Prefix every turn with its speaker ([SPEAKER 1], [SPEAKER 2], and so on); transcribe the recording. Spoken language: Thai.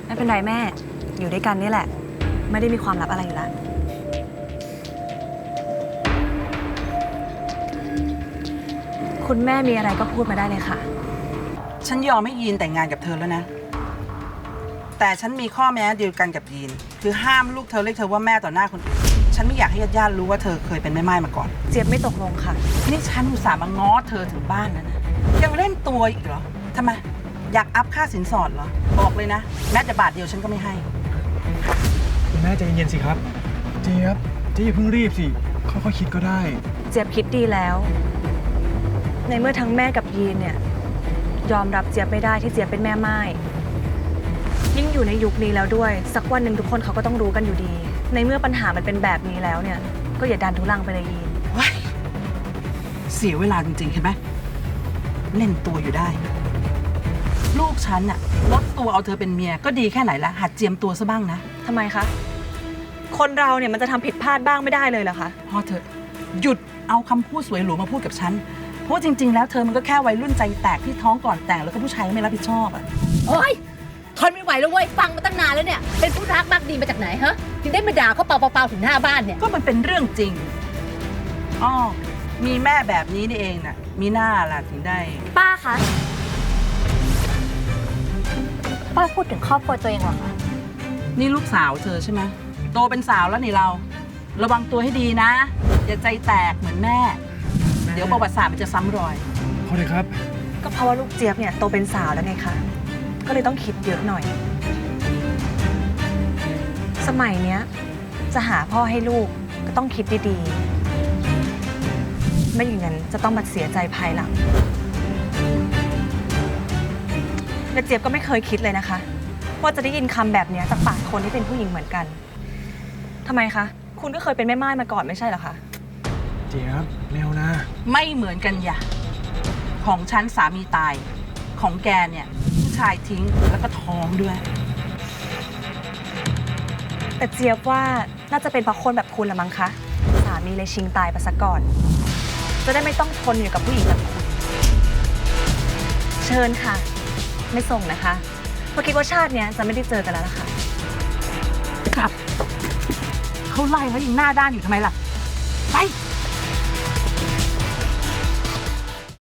[SPEAKER 1] ไม่เป็นไรแม่ อยู่ด้วยกันนี่แหละ ไม่ได้มีความลับอะไรอยู่แล้วคุณแม่มีอะไรก็พูดมาได้เลยค่ะ
[SPEAKER 2] ฉันยอมให้ยีนแต่งงานกับเธอแล้วนะ แต่ฉันมีข้อแม้เดียวกันกับยีน คือห้ามลูกเธอเรียกเธอว่าแม่ต่อหน้าคนอื่นฉันไม่อยากให้ญาติๆรู้ว่าเธอเคยเป็นแม่ไม้มาก่อน
[SPEAKER 1] เจี๊ยบไม่ตกลงค่ะ
[SPEAKER 2] นี่ฉันอุตส่าห์มาง้อเธอถึงบ้านแล้วนะ ยังเล่นตัวอีกเหรอทำไม อยากอัพค่าสินสอดเหรอ บอกเลยนะ แม้แต่บาทเดียวฉันก็ไม่ให้
[SPEAKER 3] คุณแม่ใจเย็นๆสิครับเจี๊ยบอย่าเพิ่งรีบสิค่อยๆคิดก็ได้
[SPEAKER 1] เจี๊ยบคิดดีแล้ว ในเมื่อทั้งแม่กับยีนเนี่ยยอมรับเจี๊ยบไม่ได้ที่เจี๊ยบเป็นแม่ไม้ยิ่งอยู่ในยุคนี้แล้วด้วย สักวันหนึ่งทุกคนเขาก็ต้องรู้กันอยู่ดี ในเมื่อปัญหามันเป็นแบบนี้แล้วเนี่ยก็อย่าดันทุลังไปเลยยีน
[SPEAKER 2] ว้ายเสียเวลาจริงๆเห็นไหมเล่นตัวอยู่ได้ ลูกฉันน่ะลดตัวเอาเธอเป็นเมียก็ดีแค่ไหนละหัดเจียมตัวซะบ้างนะ
[SPEAKER 1] ทำไมคะ คนเราเนี่ยมันจะทำผิดพลาดบ้างไม่ได้เลยเหรอคะ
[SPEAKER 2] พอเถอะหยุดเอาคำพูดสวยหรูมาพูดกับฉัน เพราะว่าจริง ๆ แล้วเธอมันก็แค่วัยรุ่นใจแตกที่ท้องก่อนแต่งแล้วก็ผู้ชายไม่รับผิดชอบอะ
[SPEAKER 4] โอ๊ยทนไม่ไหวแล้วเว้ย ฟังมาตั้งนานแล้วเนี่ย เป็นผู้รักมักดีมาจากไหนฮะ ถึงได้มาด่าเขาเปล่าๆถึงหน้าบ้านเนี่ย
[SPEAKER 2] ก็มันเป็นเรื่องจริงอ้อมีแม่แบบนี้นี่เองน่ะมีหน้าล่ะถึงได้
[SPEAKER 5] ป้าคะ ป้าพูดถึงครอบครัวตัวเองเหรอคะ
[SPEAKER 2] นี่ลูกสาวเธอใช่ไหมโตเป็นสาวแล้วนี่เรา ระวังตัวให้ดีนะ อย่าใจแตกเหมือนแม่ เดี๋ยวประวัติศาสตร์มันจะซ้ำรอย
[SPEAKER 3] พอเลยครับ
[SPEAKER 1] ก็เพราะว่าลูกเจี๊ยบเนี่ยโตเป็นสาวแล้วไงคะ ก็เลยต้องคิดเยอะหน่อย สมัยเนี้ยจะหาพ่อให้ลูกก็ต้องคิดดีๆ ไม่อย่างนั้นจะต้องมาเสียใจภายหลังและเจี๊ยบก็ไม่เคยคิดเลยนะคะ ว่าจะได้ยินคำแบบเนี้ยจากปากคนที่เป็นผู้หญิงเหมือนกันทำไมคะ คุณก็เคยเป็นแม่ไม้มาก่อนไม่ใช่เหรอคะ
[SPEAKER 3] เจี๊ยบเร็วนะ
[SPEAKER 2] ไม่เหมือนกันอย่าของฉันสามีตาย ของแกเนี่ยผู้ชายทิ้งแล้วก็ท้องด้วย
[SPEAKER 1] แต่เจี๊ยบว่าน่าจะเป็นเพราะคนแบบคุณละมั้งคะ สามีเลยชิงตายไปซะก่อน จะได้ไม่ต้องทนอยู่กับผู้หญิงแบบคุณ เชิญค่ะ ไม่ส่งนะคะเพราะคิดว่าชาติเนี้ยจะไม่ได้เจอกันแล้วล่ะค่ะ
[SPEAKER 2] กลับ เขาไล่แล้วยังหน้าด้านอยู่ทำไมล่ะ ไป